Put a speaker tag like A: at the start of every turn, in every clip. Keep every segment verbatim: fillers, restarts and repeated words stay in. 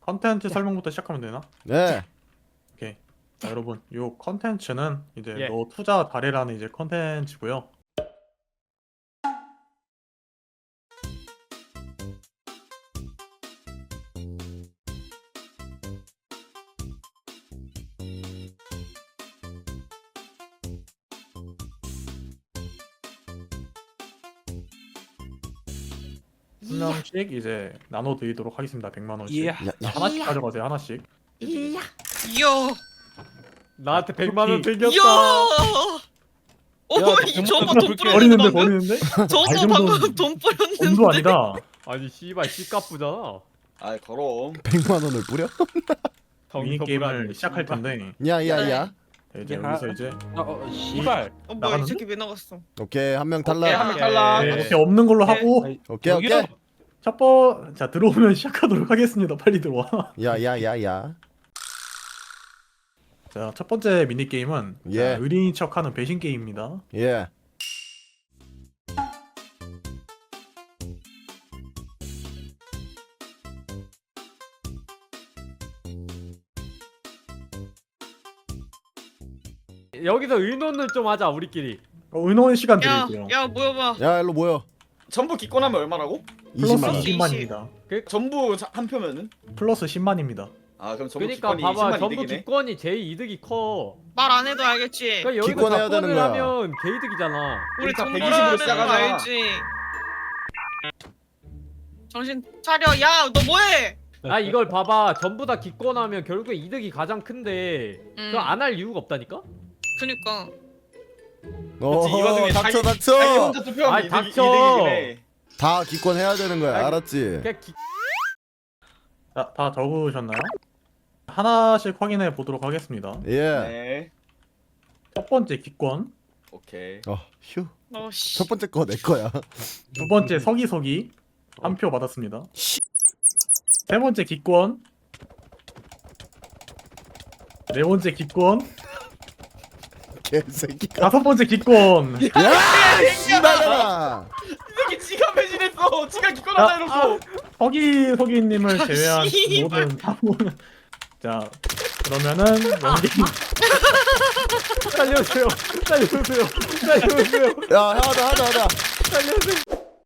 A: 컨텐츠 설명부터 시작하면 되나?
B: 네.
A: 오케이. 자, 여러분, 요 컨텐츠는 이제
C: 예.
A: 너 투자 잘해라는 이제 컨텐츠고요. 한 명씩 이제 나눠 드리도록 하겠습니다. 백만 원씩.
C: 이야.
B: 야, 야.
A: 하나씩 가져가세요. 하나씩.
D: 이야.
C: 나한테 백만 원
A: 쿠키.
C: 생겼다.
D: 이야. 어, 이 저거 돈 뿌렸는데
A: 버리는데
D: 방금?
A: 버리는데?
D: 저거
A: 아, 이
D: 방금
A: 정도는
D: 돈 뿌렸는데.
A: 돈도 아니다.
C: 아니 씨발 씨값부잖아.
E: 아이 그럼
B: 백만 원을 뿌려?
A: 미니 게임을 시작할 텐데
B: 야야야.
A: 자, 이제
C: 야.
A: 여기서 이제
C: 어, 씨발.
D: 어 뭐야 이
A: 나가는데?
D: 새끼 왜 나갔어?
B: 오케이 한 명
E: 오케이
B: 탈락.
E: 한명 탈락.
C: 네.
A: 이렇게 없는 걸로
D: 네.
A: 하고
B: 오케이 오케이.
A: 첫 번, 자 들어오면 시작하도록 하겠습니다. 빨리 들어와.
B: 야야야야.
A: 자, 첫 번째 미니 게임은
B: 예.
A: 의리인 척하는 배신 게임입니다.
B: 예.
C: 여기서 의논을 좀 하자 우리끼리.
A: 어, 의논 시간
D: 야,
A: 드릴게요.
D: 야 모여봐.
B: 야 일로 모여.
E: 전부 기권하면 얼마라고?
A: 플러스
B: 이십만 원.
D: 이십.
A: 이십만 원입니다.
E: 전부 자- 한 표면은?
A: 플러스 십만입니다.
E: 아 그럼 전부
C: 그러니까
E: 기권이
C: 봐봐
E: 이십만
C: 전부
E: 이득이네.
C: 기권이 제일 이득이 커.
D: 말 안 해도 알겠지.
C: 그러니까 여기서
B: 기권해야 되는
C: 작권을
B: 거야.
C: 하면 개이득이잖아.
D: 우리
E: 일단
D: 돈
E: 백이십으로
D: 벌어야 되는 거
E: 시작하자.
D: 알지. 정신 차려. 야, 너 뭐해?
C: 아 이걸 봐봐 전부 다 기권하면 결국에 이득이 가장 큰데
D: 음.
C: 그거 안 할 이유가 없다니까?
D: 그니까.
B: 어
E: 이 와중에
B: 닥쳐
E: 자기- 자기
B: 닥쳐.
E: 혼자 투표하면
C: 아이,
E: 이득,
C: 닥쳐.
E: 이득이긴 해.
B: 다 기권해야 되는 거야.
C: 아이,
B: 알았지?
C: 그냥 기...
A: 자, 다 적으셨나요? 하나씩 확인해 보도록 하겠습니다.
B: 예.
E: 네.
A: 첫 번째 기권,
E: 오케이.
B: 어 휴.
D: 너 씨.
B: 첫 번째 거 내 거야.
A: 두 번째 서기서기 한 표 받았습니다. 세 번째 기권, 네 번째 기권,
B: 개새끼가.
A: 다섯 번째 기권.
B: 야 씨발아.
E: 이렇게 지가 배신했어. 지가 기권하자 이러고.
A: 서기 서기님을 제외한
D: 씨발.
A: 모든 사고는 자 그러면은 연기
C: 살려주세요 살려주세요 살려주세요
B: 야 하자 하자 하자.
C: 살려주세요.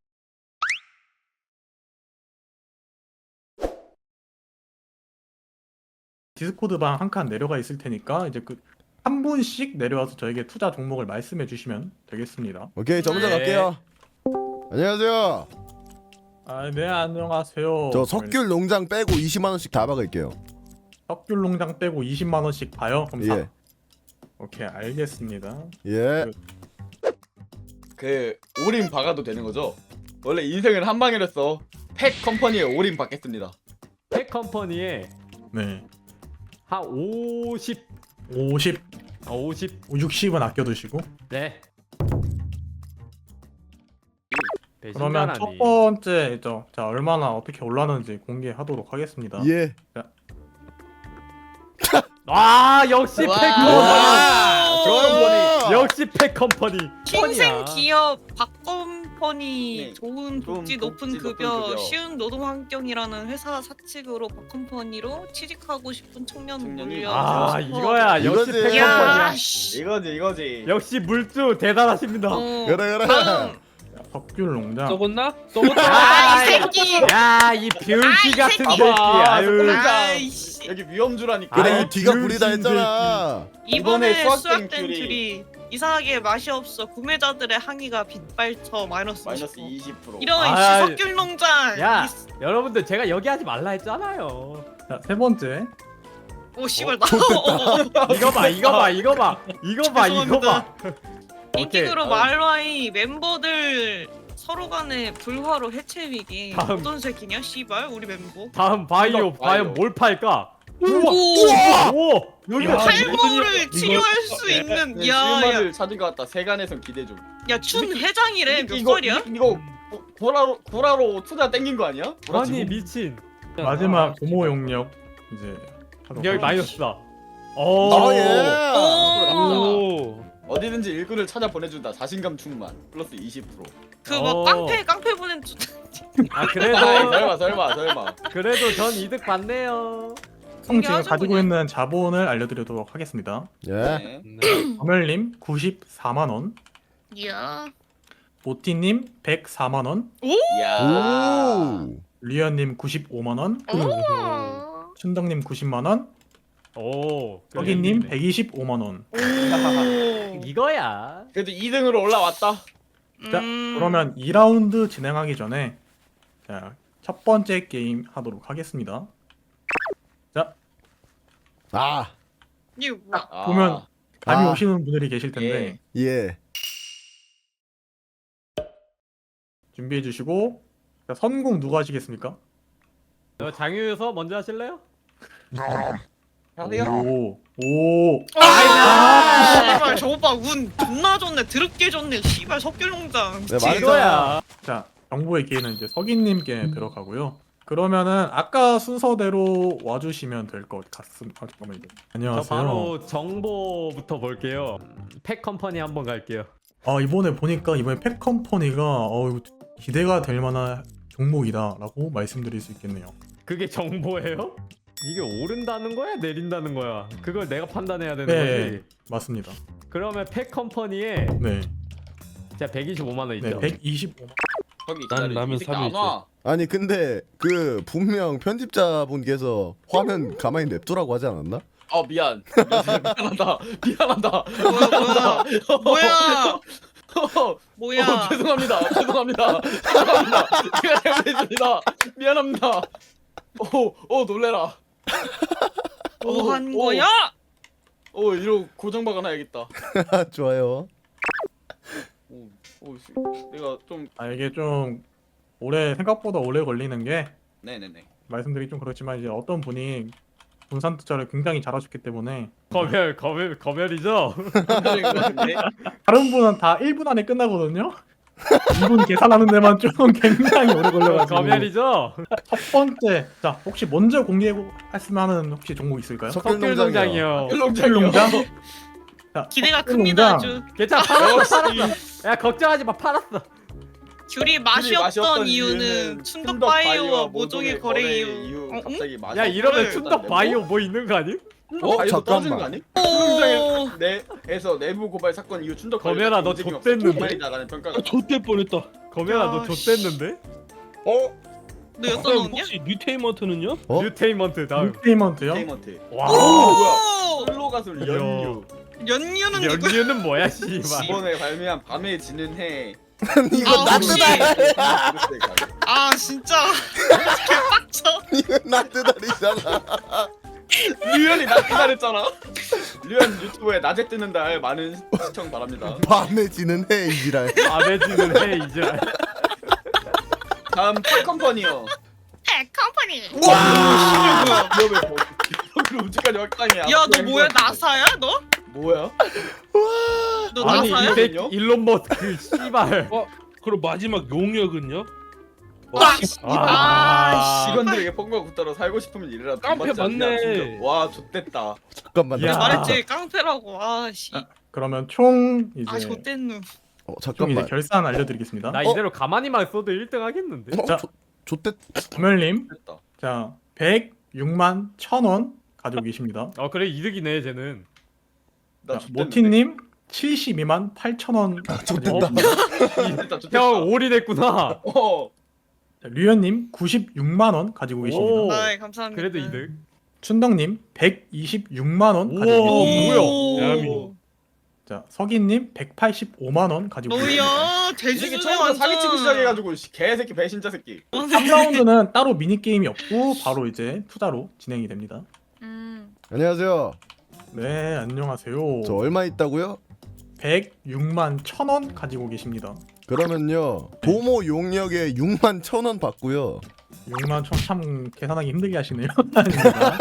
A: 디스코드 방 한 칸 내려가 있을 테니까 이제 그 한 분씩 내려와서 저에게 투자 종목을 말씀해 주시면 되겠습니다.
B: 오케이 저 먼저
C: 네.
B: 갈게요. 안녕하세요.
A: 아, 네 안녕하세요.
B: 저 석귤 농장 빼고 이십만 원씩 다 박을게요.
A: 석귤 농장 빼고 이십만 원씩 봐요. 그럼 사.
B: 예.
A: 오케이 알겠습니다.
B: 예.
E: 그 올인 박아도 되는 거죠? 원래 인생은 한 방이랬어. 팩 컴퍼니에 올인 받겠습니다.
C: 텍 컴퍼니에
A: 네
C: 한 오십
A: 오십,
C: 아 오십
A: 육십은 아껴두시고
C: 네.
A: 그러면 첫
C: 배신자라니.
A: 번째 저, 자 얼마나 어떻게 올라는지 공개하도록 하겠습니다.
B: 예.
C: 아 역시 팩
E: 와.
C: 컴퍼니.
E: 좋아요,
C: 역시 팩 컴퍼니.
D: 신생
C: 컴퍼니야.
D: 기업 박컴퍼니
E: 네.
D: 좋은 복지
E: 좋은
D: 높은
E: 복지, 높은
D: 급여
E: 급여.
D: 쉬운 노동 환경이라는 회사 사측으로 박컴퍼니로 취직하고 싶은 청년
E: 청년이
D: 물려
C: 아 이거야 역시
B: 이거지.
C: 팩
D: 야,
C: 컴퍼니야.
D: 씨.
E: 이거지 이거지.
C: 역시 물주 대단하십니다.
D: 어,
B: 그래, 그래.
D: 다음.
A: 석귤 농장
F: 써봤나? 써봤다.
D: 아, 이 새끼.
C: 야이 병신
D: 아, 이
C: 같은
D: 새끼.
C: 새끼.
E: 봐봐,
C: 아유.
D: 아이씨.
E: 여기 위험주라니까.
B: 그래
C: 아이,
B: 이 뒤가
C: 병신
B: 부리다 했잖아.
D: 이번에
E: 이번에 수확된
D: 수확된
E: 귤이
D: 귤이 이상하게 맛이 없어 구매자들의 항의가 빗발쳐 마이너스
E: 마이너스
D: 이십
E: 이십 퍼센트.
D: 이런
C: 아,
D: 시석귤 농장.
C: 야
D: 이-
C: 여러분들 제가 여기 하지 말라 했잖아요.
A: 자 세 번째
D: 오 씨발 나.
C: 이거 봐 이거 봐 이거 봐 이거 봐 이거 봐.
D: 인기그룹
E: 어.
D: 말와이 멤버들 서로 간의 불화로 해체 위기.
C: 다음.
D: 어떤 새끼냐 씨발 우리 멤버.
C: 다음 바이오
E: 이거 바이오.
C: 과연 뭘 팔까?
D: 우와.
C: 오 여기
A: 야,
D: 탈모를 치료할 수 있는
E: 네,
D: 야야
E: 실마를 찾은 것 같다. 세간에선 기대 좀.
D: 춘 회장이래 몇
E: 이거
D: 살이야?
E: 이거 고- 고라로 고라로 투자 땡긴 거 아니야? 고라
C: 아니
E: 지금?
C: 미친.
A: 마지막 고모 용역 이제 하도록
C: 여기
A: 하겠습니다.
C: 마이너스다. 오.
B: 어 예.
D: 오.
C: 오.
E: 어디든지 일꾼을 찾아 보내준다. 자신감 충만. 플러스 이십 퍼센트.
D: 그 뭐
C: 어.
D: 깡패 깡패 보낸 주-
C: 아
E: 아이,
C: 그래도
E: 설마 설마 설마.
C: 그래도 전 이득 받네요.
A: 총 제가
D: 공개하죠,
A: 가지고
D: 그냥.
A: 있는 자본을 알려드리도록 하겠습니다.
B: 예.
E: 네.
C: 네.
A: 검열님 구십사만 원,
D: 이야.
A: 모티님 백사만 원,
E: 이야.
B: 오.
A: 리언님 구십오만 원,
D: 오.
A: 춘덕님 구십만 원,
C: 오.
A: 서기님 백이십오만 원.
D: 오.
C: 이거야.
E: 그래도 이 등으로 올라왔다.
A: 자,
D: 음.
A: 그러면 이 라운드 진행하기 전에 자, 첫 번째 게임 하도록 하겠습니다. 자,
B: 아.
D: 이거 뭐야?
E: 아.
A: 보면 감이
B: 아.
A: 오시는 분들이 계실 텐데
B: 예.
A: 준비해 주시고 자, 선공 누가 하시겠습니까?
C: 저 장유서 먼저 하실래요?
A: 오, 오,
D: 아, 씨발 저 오빠 운 존나 좋네. 드럽게 좋네. 씨발 석귤농장.
B: 네, 맞아.
C: 이거야.
A: 자, 정보의 기회는 이제 서기님께 들어가고요. 그러면은 아까 순서대로 와주시면 될 것 같습니다. 아, 잠깐만요.
C: 저
A: 안녕하세요.
C: 바로 정보부터 볼게요. 팩 컴퍼니 한번 갈게요.
A: 아, 이번에 보니까 이번에 팩컴퍼니가 어, 이거 기대가 될 만한 종목이다라고 말씀드릴 수 있겠네요.
C: 그게 정보예요? 이게 오른다는 거야, 내린다는 거야? 그걸 내가 판단해야 되는
A: 네,
C: 거지.
A: 맞습니다.
C: 그러면 팩 컴퍼니에
A: 네,
C: 제가 백이십오만 원
A: 네,
C: 있죠.
A: 백이십오만.
E: 거기
F: 난
E: 기다려.
F: 라면
E: 이 새끼
F: 삼
E: 안
F: 일째.
E: 와.
B: 아니 근데 그 분명 편집자분께서 화면 가만히 냅두라고 하지 않았나?
E: 아 미안. 미안하다. 미안하다.
D: 뭐야? 뭐야?
E: 어,
D: 뭐야?
E: 어, 죄송합니다. 죄송합니다. 죄송합니다. 제가 잘못했습니다. 미안합니다. 오, 오 놀래라.
D: 뭐 한
E: 오,
D: 거야?
E: 오, 이러 고정 박아놔야겠다.
B: 좋아요.
E: 오, 오, 씨. 내가 좀
A: 아, 이게 좀 오래 생각보다 오래 걸리는 게
E: 네네네.
A: 말씀드리기 좀 그렇지만 이제 어떤 분이 분산 투자를 굉장히 잘하셨기 때문에
C: 검열, 검열, 검열이죠.
E: 네.
A: 다른 분은 다 일 분 안에 끝나거든요. 이분 계산하는 데만 좀 굉장히 오래 걸려가지고.
C: 검열이죠.
A: 첫 번째, 자 혹시 먼저 공개했으면 하는 혹시 종목 있을까요?
C: 석귤농장이요.
E: 일롱장이요.
A: 자,
D: 기대가
A: 석귤
D: 큽니다.
A: 농장.
D: 아주.
C: 괜찮아, 팔았어, 팔았어. 야 걱정하지 마, 팔았어.
D: 귤이 맛이 없던 이유는 춘덕 바이오와 모종의 거래 이유. 어, 응?
E: 갑자기 맛이
C: 야 이러면
E: 없어졌다는데
C: 춘덕 바이오 뭐 있는 거 아니?
E: 뭐?
B: 어,
E: 바이오 떨어지는 거
B: 잠깐만.
E: 아니?
D: 오.
E: 내 내에서 내부 고발 사건 이후 춘덕
C: 검열아, 너 좆됐는데?
E: 빨리 나가는 평가가.
F: 아, 좆될 뻔했다.
C: 검열아 너
D: 야,
C: 좆됐는데?
B: 어?
D: 너 엿도
F: 그럼
D: 넣었냐?
F: 혹시 뉴테이먼트는요?
B: 어?
C: 뉴테이먼트 다음.
A: 인테이먼트요?
E: 테이먼트.
C: 와.
E: 오 뭐야?
D: 오.
E: 솔로 가수 연유.
D: 연유는 누구?
C: 연유는 뭐야 씨발.
E: 이번에 발매한 밤에 지는 해.
B: 이거
D: 아,
B: 나트다.
D: 혹시- 아 진짜 개빡쳐.
B: 이거 나트다리잖아.
E: 류현이 나 기다렸잖아. 류현 유튜브에 낮에 뜨는 달 많은 시청 바랍니다.
B: 밤에 지는 해 이지랄.
C: 아베지는 해 이제.
E: 다음 팝컴퍼니요.
D: 팩 컴퍼니.
E: 와, 뭐야? 너 뭐? 그 우주까지 확장이야.
D: 야 너 뭐야 나사야 너?
E: 뭐야?
D: 너
C: 아니
D: 나사야?
C: 이 새끼 일론 머스크 씨발.
F: 그럼 마지막 용역은요?
D: 아,
C: 아,
E: 직원들에게 뻥과 굳더러 살고 싶으면 이래라. 돈
F: 깡패
E: 받지 않냐,
F: 맞네.
E: 진짜. 와, 좆됐다.
B: 잠깐만.
A: 야.
D: 내가 말했지 깡패라고. 아씨.
A: 아, 그러면 총 이제
D: 아 좆됐누.
B: 어
A: 총 이제
B: 잠깐만.
A: 결산 알려드리겠습니다.
C: 나
B: 어?
C: 이대로 가만히만 써도 일 등 하겠는데?
B: 어?
A: 자.
B: 조, 좆됐.
A: 검열님,
E: 됐다.
A: 자 백육만 천 원 가지고 계십니다.
C: 어 그래 이득이네 쟤는.
E: 나
A: 자,
E: 좆됐는데?
A: 모티님 칠십이만 팔천 원 가지고
B: 좆됐다.
A: 계십니다.
E: 좆됐다, 좆됐다.
C: 형 올인했구나.
E: 어.
A: 자, 류현님 구십육만 원 가지고 계십니다.
C: 오.
D: 아이 감사합니다.
C: 그래도 이득.
A: 춘덕님 백이십육만 원
C: 우와,
A: 가지고
C: 오,
A: 계십니다.
C: 뭐야?
F: 야미.
A: 자 서기님 백팔십오만 원 가지고 계십니다.
D: 뭐야
E: 이
D: 대주주네
E: 새끼 처음부터
D: 완전.
E: 사기치기 시작해가지고 씨, 개새끼 배신자 새끼.
A: 삼 라운드는 따로 미니 게임이 없고 바로 이제 투자로 진행이 됩니다.
D: 음.
B: 안녕하세요.
A: 네 안녕하세요.
B: 저 얼마 있다고요?
A: 백육만 천 원 가지고 계십니다.
B: 그러면요 도모 용역에 육만 천 원 받고요.
A: 육만 천 참 계산하기 힘들게 하시네요. 아닙니다.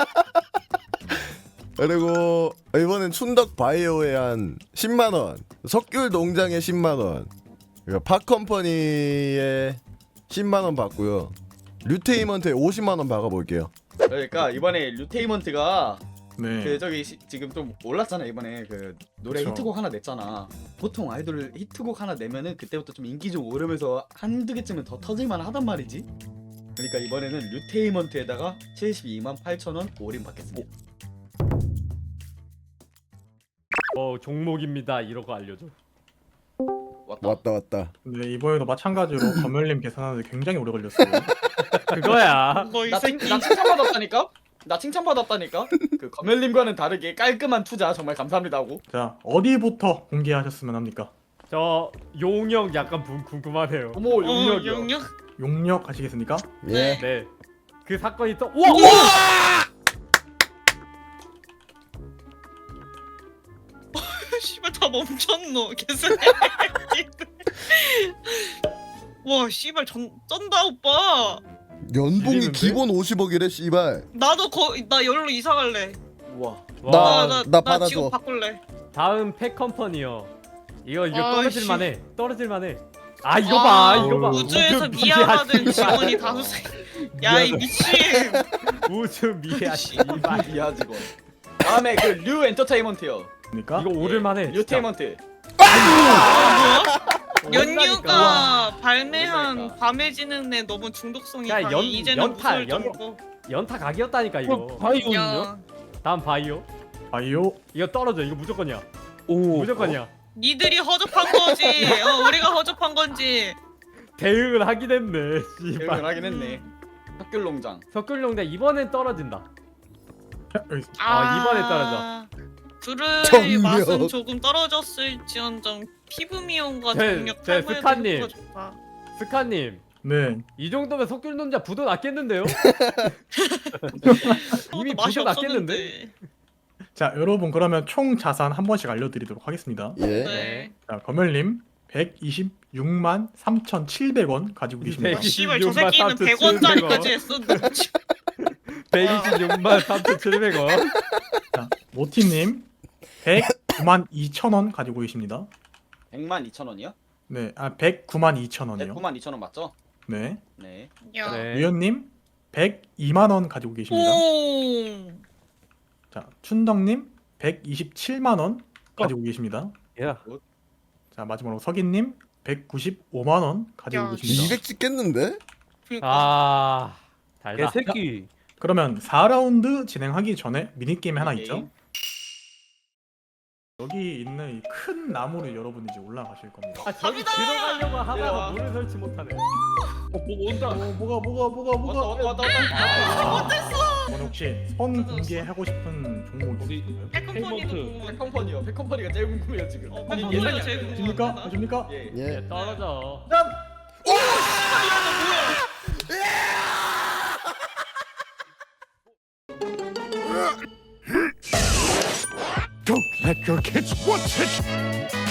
B: 그리고 이번엔 춘덕 바이오에 한 십만 원, 석귤 농장에 십만 원, 그리고 팝컴퍼니에 십만 원 받고요. 류테이먼트에 오십만 원 박아볼게요.
E: 그러니까 이번에 류테이먼트가
A: 네.
E: 그 저기 시- 지금 좀 올랐잖아 이번에 그 노래
A: 그쵸.
E: 히트곡 하나 냈잖아. 보통 아이돌 히트곡 하나 내면은 그때부터 좀 인기 좀 오르면서 한두 개쯤은 더 터질만 하단 말이지. 그러니까 이번에는 류테이먼트에다가 칠십이만 팔천 원 올인 받겠습니다.
C: 어 종목입니다 이러고 알려줘.
E: 왔다.
B: 왔다 왔다.
A: 네, 이번에도 마찬가지로 검열님 계산하는데 굉장히 오래 걸렸어요.
C: 그거야.
D: 뭐 이
E: 나, 칭,
D: 새끼.
E: 나 칭찬받았다니까? 나 칭찬받았다니까? 그 검열님과는 다르게 깔끔한 투자 정말 감사합니다 하고.
A: 자, 어디부터 공개하셨으면 합니까?
C: 저 용역 약간 분- 궁금하네요.
E: 어머
D: 어,
E: 용역이요.
D: 영역.
A: 용역 하시겠습니까?
B: 예.
C: 네. 그 사건이 또 우와! 우와!
D: 씨발 다 멈췄노. 계속. 와 씨발 전 쩐다 오빠.
B: 연봉이
C: 밀리는데?
B: 기본 오십억이래 씨발.
D: 나도 거나 열로 이사 갈래.
E: 우와.
B: 나-
C: 와,
D: 나,
B: 나
D: 나
B: 받아줘.
D: 지금 바꿀래.
C: 다음 팩컴퍼니요. 이거 이거
D: 아이씨.
C: 떨어질만해. 떨어질만해. 아 이거
D: 아,
C: 봐 이거 봐.
D: 우주에서
C: 우주
D: 미아받은
C: 미아
D: 직원이 다섯 세. 야이 미친.
C: 우주 미아
D: 씨.
C: 씨발.
E: 이야 직원. 다음에 그 류 엔터테인먼트요.
A: 그러니까
C: 이거 오를만해.
E: 류테이먼트.
D: 연유가 발매한
E: 그러니까.
D: 밤에 지는 애 너무 중독성이
C: 야,
D: 강해.
C: 연-
D: 이제는
C: 연탈,
D: 무서울
C: 연-
D: 정도.
C: 연타 각이었다니까
F: 그럼
C: 이거.
F: 바이오는요?
D: 야,
C: 다음 바이오.
A: 바이오.
C: 이거 떨어져. 이거 무조건이야.
F: 오.
C: 무조건이야.
D: 니들이 허접한 거지. 어, 우리가 허접한 건지.
C: 대응을 하긴 했네.
E: 대응을
C: 씨발.
E: 하긴 했네. 학귤농장.
C: 석귤룡대 이번엔 떨어진다.
A: 여기 있-
C: 아, 이번에 떨어져.
D: 귤의
B: 정력.
D: 맛은 조금 떨어졌을지언정 피부 미용과
C: 제-
D: 정력
C: 제
D: 탈모에도
C: 스카님.
D: 효과가 좋다.
C: 스카님.
A: 네.
C: 이 정도면 석귤논자 부도 났겠는데요? 이미
D: 그것도 맛이
C: 부도
D: 없었는데.
C: 났겠는데?
A: 자, 여러분 그러면 총 자산 한 번씩 알려드리도록 하겠습니다.
B: 예.
D: 네.
A: 자, 검열님 백이십육만 삼천칠백 원 가지고 계십니다.
C: 백-
D: 씨발 저
C: 백이십육만
D: 새끼는 백 원짜리까지
C: 삼천칠백
D: 했어.
C: 백이십육만 삼천칠백 원.
A: 자, 모티님 백구만 이천 원 가지고 계십니다.
E: 백만 이천 원이요?
A: 네, 아 백구만 이천 원이요.
E: 백구만 이천 원 맞죠?
A: 네.
E: 네.
D: 야.
C: 네.
A: 위원님 백이만 원 가지고 계십니다.
D: 오.
A: 자, 춘덕님 백이십칠만 원 가지고 계십니다.
C: 야.
A: 자, 마지막으로 석인님 백구십오만 원 가지고
D: 야,
A: 계십니다.
B: 이백 찍겠는데?
D: 그러니까.
C: 아. 달다.
F: 개새끼.
A: 그러면 사 라운드 진행하기 전에 미니게임이 하나 있죠?
E: 미니게임.
A: 여기 있는 이 큰 나무를 여러분이 이제 올라가실 겁니다.
C: 아 저기
D: 갑니다!
C: 들어가려고 하다가
E: 내려와.
C: 문을 설치 못하네.
F: 어, 뭐 온다.
A: 어, 뭐가 뭐가 뭐가
E: 왔다
A: 뭐가
E: 왔다 왔다 왔다.
A: 이번 혹시 선 공개하고 싶은 종목
F: 어디?
A: 있으신가요?
D: 백컴퍼니도
F: 테이먼트.
D: 궁금해.
E: 백컴퍼니요. 백컴퍼니가 제일 궁금해요 지금.
D: 어,
E: 아니,
D: 백컴퍼니가
E: 예상이
D: 제일
E: 안 돼요.
A: 아십니까?
D: 궁금해.
A: 아십니까?
E: 예.
B: 예.
C: 예, 떨어져.
A: 짠!
B: Don't let your kids watch it.